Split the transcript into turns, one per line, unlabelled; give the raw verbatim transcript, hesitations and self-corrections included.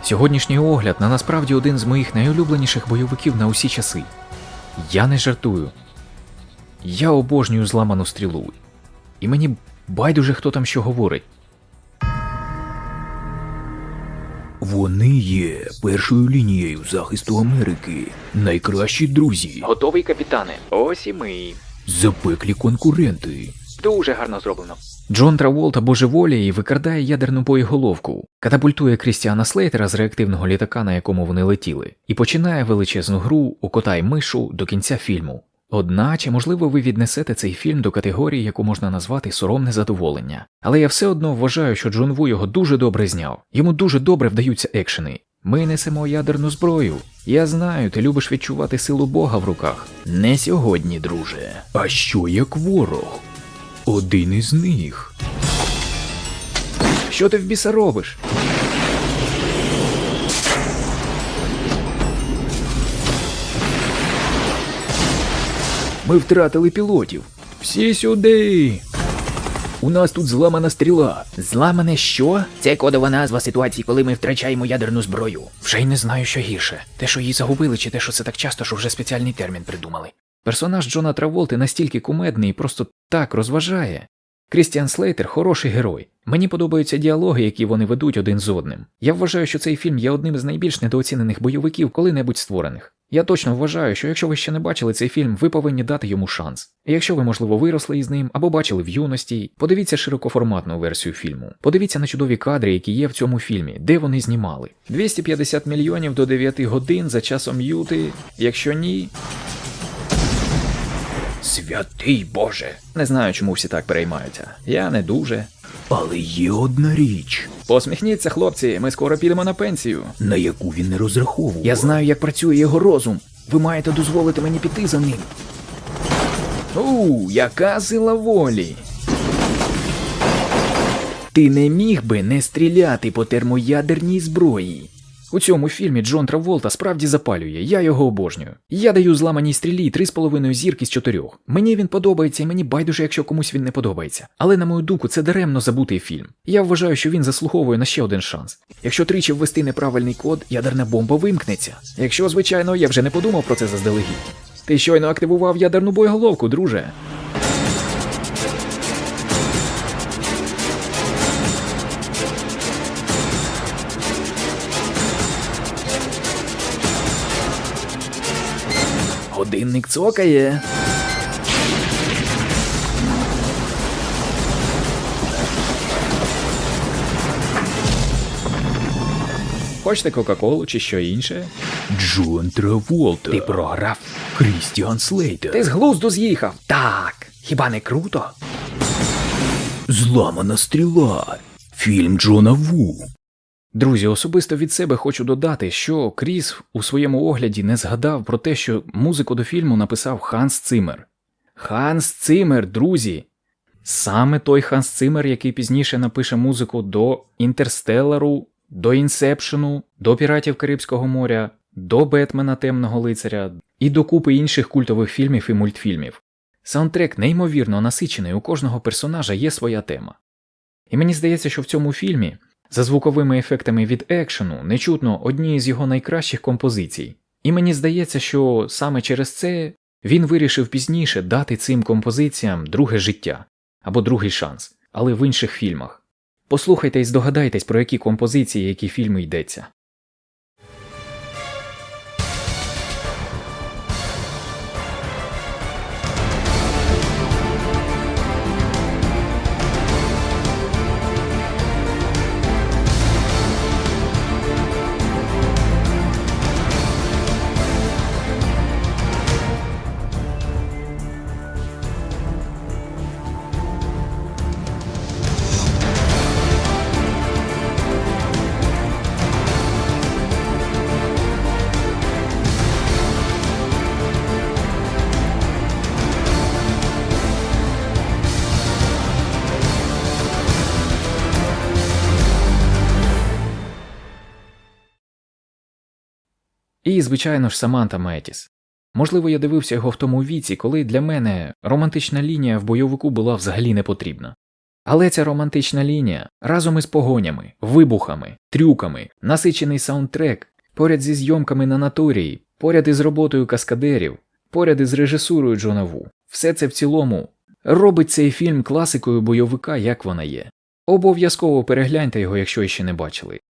Сьогоднішній огляд на насправді один з моїх найулюбленіших бойовиків на усі часи. Я не жартую. Я обожнюю зламану стрілу. І мені байдуже, хто там що говорить.
Вони є першою лінією захисту Америки. Найкращі друзі.
Готовий, капітане? Ось і ми.
Запеклі конкуренти.
Дуже гарно зроблено. Джон Траволта божеволіє і викрадає ядерну боєголовку, катапультує Крістіана Слейтера з реактивного літака, на якому вони летіли, і починає величезну гру у кота й мишу до кінця фільму. Одначе, можливо, ви віднесете цей фільм до категорії, яку можна назвати соромне задоволення. Але я все одно вважаю, що Джон Ву його дуже добре зняв. Йому дуже добре вдаються екшени. Ми несемо ядерну зброю. Я знаю, ти любиш відчувати силу Бога в руках. Не сьогодні, друже.
А що як ворог? Один із них.
Що ти в біса робиш?
Ми втратили пілотів. Всі сюди. У нас тут зламана стріла.
Зламане що?
Це кодова назва ситуації, коли ми втрачаємо ядерну зброю.
Вже й не знаю, що гірше. Те, що її загубили, чи те, що це так часто, що вже спеціальний термін придумали. Персонаж Джона Траволти настільки кумедний і просто так розважає. Крістіан Слейтер – хороший герой. Мені подобаються діалоги, які вони ведуть один з одним. Я вважаю, що цей фільм є одним з найбільш недооцінених бойовиків коли-небудь створених. Я точно вважаю, що якщо ви ще не бачили цей фільм, ви повинні дати йому шанс. І якщо ви, можливо, виросли із ним, або бачили в юності, подивіться широкоформатну версію фільму. Подивіться на чудові кадри, які є в цьому фільмі, де вони знімали. двісті п'ятдесят мільйонів до дев'яти годин за часом Юти, якщо ні...
Святий Боже.
Не знаю, чому всі так переймаються. Я не дуже.
Але є одна річ,
Посміхніться, хлопці, ми скоро підемо на пенсію.
на яку він не розраховував.
Я знаю, як працює його розум. Ви маєте дозволити мені піти за ним. У, яка сила волі. Ти не міг би не стріляти по термоядерній зброї. У цьому фільмі Джон Траволта справді запалює, я його обожнюю. Я даю зламаній стрілі три з половиною зірки з чотирьох. Мені він подобається і мені байдуже, якщо комусь він не подобається. Але, на мою думку, це даремно забутий фільм. Я вважаю, що він заслуговує на ще один шанс. Якщо тричі ввести неправильний код, ядерна бомба вимкнеться. Якщо, звичайно, я вже не подумав про це заздалегідь. Ти щойно активував ядерну боєголовку, друже. Годинник цокає. Хочете Кока-Колу чи що інше?
Джон Траволта.
Ти програв.
Крістіан Слейтер.
Ти з глузду з'їхав. Так. Хіба не круто?
Зламана стріла. Фільм Джона Ву.
Друзі, особисто від себе хочу додати, що Кріс у своєму огляді не згадав про те, що музику до фільму написав Ханс Циммер. Ханс Циммер, друзі! Саме той Ханс Циммер, який пізніше напише музику до «Інтерстеллару», до «Інсепшену», до «Піратів Карибського моря», до «Бетмена. Темного лицаря» і до купи інших культових фільмів і мультфільмів. Саундтрек неймовірно насичений, у кожного персонажа є своя тема. І мені здається, що в цьому фільмі за звуковими ефектами від екшену не чутно однієї з його найкращих композицій. І мені здається, що саме через це він вирішив пізніше дати цим композиціям друге життя або другий шанс, але в інших фільмах. Послухайте і здогадайтесь, про які композиції, які фільми йдеться. І, звичайно ж, Саманта Метіс. Можливо, я дивився його в тому віці, коли для мене романтична лінія в бойовику була взагалі не потрібна. Але ця романтична лінія разом із погонями, вибухами, трюками, насичений саундтрек, поряд зі зйомками на натурії, поряд із роботою каскадерів, поряд із режисурою Джона Ву. Все це в цілому робить цей фільм класикою бойовика, як вона є. Обов'язково перегляньте його, якщо ще не бачили.